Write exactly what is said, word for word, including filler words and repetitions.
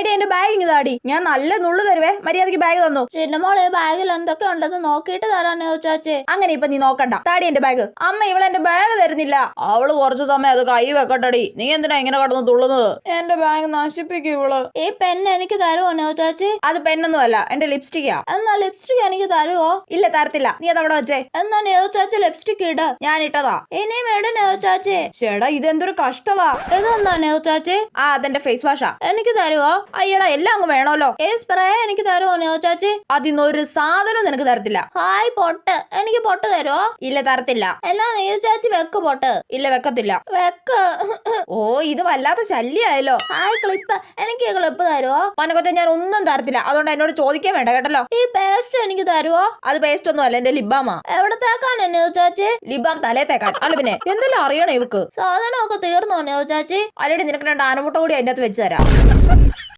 എടി എന്റെ ബാഗ് ഇങ്ങ് താടി. ഞാൻ നല്ല നുള്ളു തരുവേ, മര്യാദക്ക് ബാഗ് തന്നു. ചിന്നമോളെ ബാഗിൽ എന്തൊക്കെ ഉണ്ടെന്ന് നോക്കിയിട്ട് തരാനോ ചാച്ചി. അങ്ങനെ ഇപ്പൊ നീ നോക്കണ്ട, താടി എന്റെ ബാഗ്. അമ്മ ഇവളെ എന്റെ ബാഗ് തരുന്നില്ല. അവള് കുറച്ചു സമയം അത് കൈ വെക്കട്ടടി. നീ എന്തിനാ ഇങ്ങനെ കടന്ന് തുള്ളുന്നത്? എന്റെ ബാഗ് നശിപ്പിക്കും ഇവള്. ഈ പെണ്ണ് എനിക്ക് തരുമോ ചാച്ചി? അത് പെണ്ണൊന്നും അല്ല, എന്റെ ലിപ്സ്റ്റിക്കാ. എന്നാ ലിപ്സ്റ്റിക് എനിക്ക് തരുമോ? ഇല്ല തരത്തില്ല, നീ അതവിടെ വെച്ചേ. എന്നാ നേവ ചാച്ചി ലിപ്സ്റ്റിക് ഇട. ഞാൻ ഇട്ടതാ. ഇനിയും ഇട നേവ ചാച്ചി. ചേടാ ഇതെന്തൊരു കഷ്ടവാ. ഇതെന്താ നേവ ചാച്ചി? ആ അതെന്റെ ഫേസ് വാഷാ. എനിക്ക് തരുമോ? അയ്യടാ എല്ലാം അങ്ങ് വേണമല്ലോ. ഈ സ്പ്രേ എനിക്ക് തരുമോ നേവ ചാച്ചി? അതിന്നൊരു സാധനം നിനക്ക് തരത്തില്ല. ഹായ് പൊട്ട്, എനിക്ക് പൊട്ട് തരുമോ? ഇല്ല തരത്തില്ല. എന്നാ നേവ ചാച്ചി വെക്ക് പൊട്ട്. ഇല്ല വെക്കത്തില്ല. വെക്ക്. ഓ ഇത് വല്ലാത്ത ശല്യായല്ലോ. ഹായ് ക്ലിപ്പ്, എനിക്ക് ക്ലിപ്പ് തരുമോ? പനകൊച്ച ഞാൻ ഒന്നും തരത്തില്ല, അതുകൊണ്ട് എന്നോട് ചോദിക്കാൻ വേണ്ട കേട്ടല്ലോ. ഈ പേസ്റ്റ് എനിക്ക് തരുമോ? അത് പേസ്റ്റ് ഒന്നും അല്ല, എന്റെ ലിബാമാ. എവിടെ തേക്കാനോ നേവ ചാച്ചി? ലിബാം തലേ തേക്കാൻ. അല്ല പിന്നെ എന്തെല്ലാം അറിയണോ ഇവക്ക്? സാധനമൊക്കെ തീർന്നോ നേവ ചാച്ചി? അല്ലേടി നിനക്ക് രണ്ട് ആനമുട്ട കൂടി അതിന്റെ അകത്ത് വെച്ച് തരാം.